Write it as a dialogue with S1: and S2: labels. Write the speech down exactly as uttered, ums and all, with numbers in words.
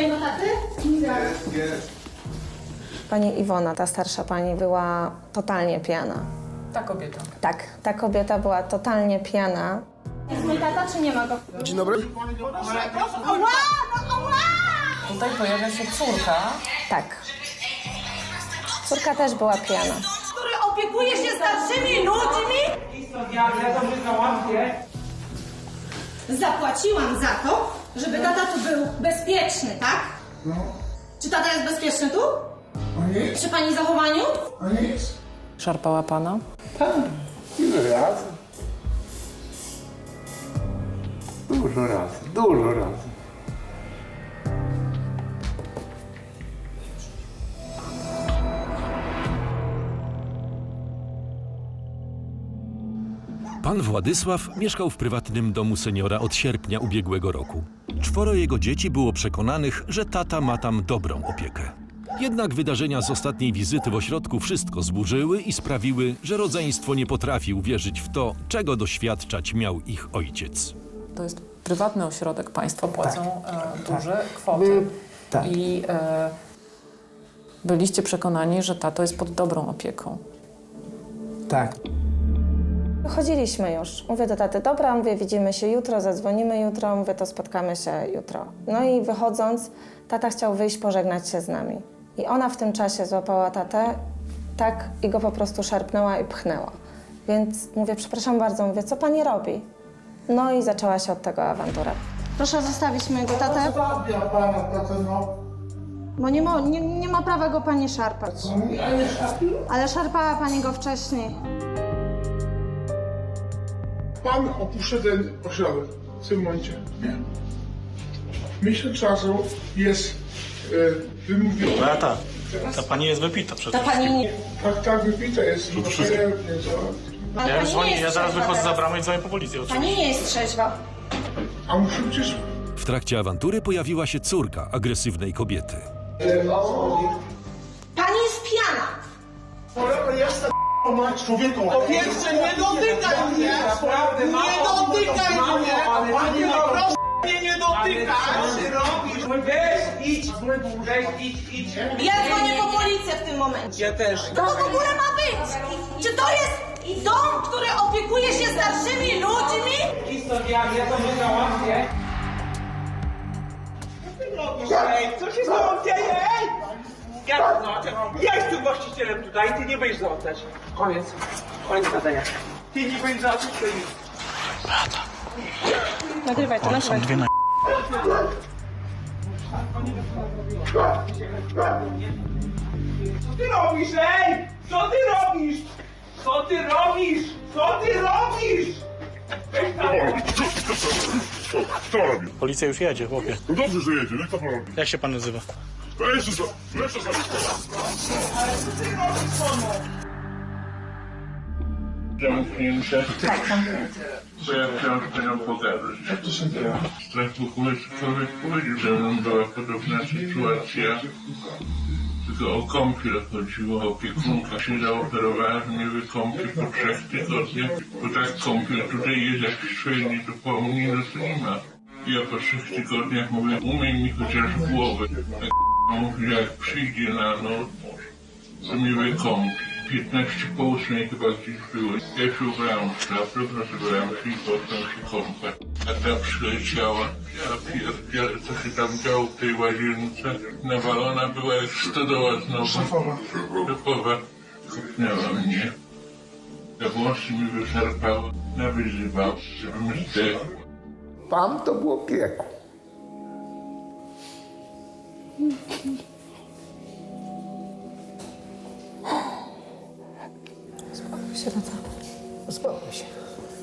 S1: mojego taty?
S2: Jest, jest.
S3: Pani Iwona, ta starsza pani, była totalnie pijana.
S4: Ta kobieta.
S3: Tak, ta kobieta była totalnie pijana.
S1: Jest mój tata, czy nie ma go?
S2: Dzień dobry.
S1: Ała! No ała!
S4: Tutaj pojawia się córka.
S3: Tak. Córka też była pijana.
S1: Który opiekuje się starszymi ludźmi?
S5: Ja, ja to załatwię.
S1: Zapłaciłam za to, żeby tata tu był bezpieczny, tak?
S2: No,
S1: Czy tata jest bezpieczny tu?
S2: a nie,
S1: Przy pani zachowaniu?
S2: a nie jest.
S4: Szarpała pana.
S2: Tak, ile razy? Dużo razy, dużo razy.
S6: Pan Władysław mieszkał w prywatnym domu seniora od sierpnia ubiegłego roku. Czworo jego dzieci było przekonanych, że tata ma tam dobrą opiekę. Jednak wydarzenia z ostatniej wizyty w ośrodku wszystko zburzyły i sprawiły, że rodzeństwo nie potrafi uwierzyć w to, czego doświadczać miał ich ojciec.
S4: To jest prywatny ośrodek, państwo płacą e, duże kwoty.
S2: My- tak.
S4: I e, byliście przekonani, że tato jest pod dobrą opieką.
S2: Tak.
S3: Wychodziliśmy już. Mówię do taty, dobra, mówię, widzimy się jutro, zadzwonimy jutro, mówię, to spotkamy się jutro. No i wychodząc, tata chciał wyjść, pożegnać się z nami. I ona w tym czasie złapała tatę, tak, i go po prostu szarpnęła i pchnęła. Więc mówię, przepraszam bardzo, mówię, co pani robi? No i zaczęła się od tego awantura.
S1: Proszę zostawić mojego tatę,
S2: Zabia pana tatę, no.
S1: bo nie ma, nie, nie ma prawa go pani szarpać.
S2: Co mi, a nie szarpie?
S1: Ale szarpała pani go wcześniej.
S7: Pan opuszcza ten ośrodek w tym momencie. Nie. Miesiąc czasu jest e, wymówiony.
S8: No ja tak. Ta pani jest wypita przecież.
S1: Ta pani nie...
S7: Tak, tak wypita jest. To wszystko.
S1: Ale
S8: Ja, już
S1: pani
S8: dzwonię,
S1: nie jest
S8: ja zaraz
S1: trzeźwa
S8: wychodzę za
S1: teraz.
S8: bramę i dzwonię po policję oczywiście.
S1: Pani nie jest trzeźwa.
S7: A muszę przecież...
S6: W trakcie awantury pojawiła się córka agresywnej kobiety.
S1: Pani jest pijana.
S7: Człowieku!
S5: Po pierwsze, nie dotykaj mnie!
S7: Naprawdę,
S5: Nie dotykaj mnie! Panie, proszę mnie nie dotykać! Co ty robisz? Weź, idź! Weź, idź, idź!
S1: Ja dzwonię po policję w tym momencie.
S5: Ja też.
S1: Co to w ogóle ma być? Czy to jest dom, który opiekuje się starszymi ludźmi?
S5: Historia, ja to nie załatwię. Co ty robisz? Ej, co się z tobą dzieje? Ej! Ja to załatwię. Ja jestem właścicielem tutaj, ty nie będziesz załatwiać. Koniec. Koniec gadania. Ty nie będziesz załatwiać, to nic.
S1: Nagrywaj to, nagrywaj.
S8: Dwie na...
S5: Co ty robisz, ej? Co ty robisz? Co ty robisz? Co ty robisz? Weź tam.
S9: Co robi?
S8: Policja już jedzie, chłopie.
S9: No dobrze, że jedzie, no i co pan robi?
S8: Jak się pan nazywa?
S9: To jeszcze co? Jeszcze co?
S7: Zamknięte. Bo ja chciałem z panią pogadać. Tak w ogóle człowiek powiedział, że mną była podobna sytuacja. Tylko o kąpiel chodziło, opiekunka się zaoferowała, że mnie wykąpi po trzech tygodniach. Bo tak kąpiel tutaj jest jakiś średni do południa, no to nie ma. Ja po trzech tygodniach mówię, umyj mi chociaż głowę. A mówi, jak przyjdzie na noc, to mnie wykąpi. piętnaście po ósmej chyba gdzieś było. Ja się ubrałem w szafę, rozbrałem się i potem się kąpać. A ta przyleciała. Ja pierdzielę, co się tam działo w tej łazience. Nawalona była jak stodoła znowu. Szefowa. Szefowa. Kopnęła mnie. Te włosy mi wyszarpało. Nawyzywał, żebym zdechł.
S2: Tam to było piekło.
S3: Uspokój się, tata.
S2: Uspokój się.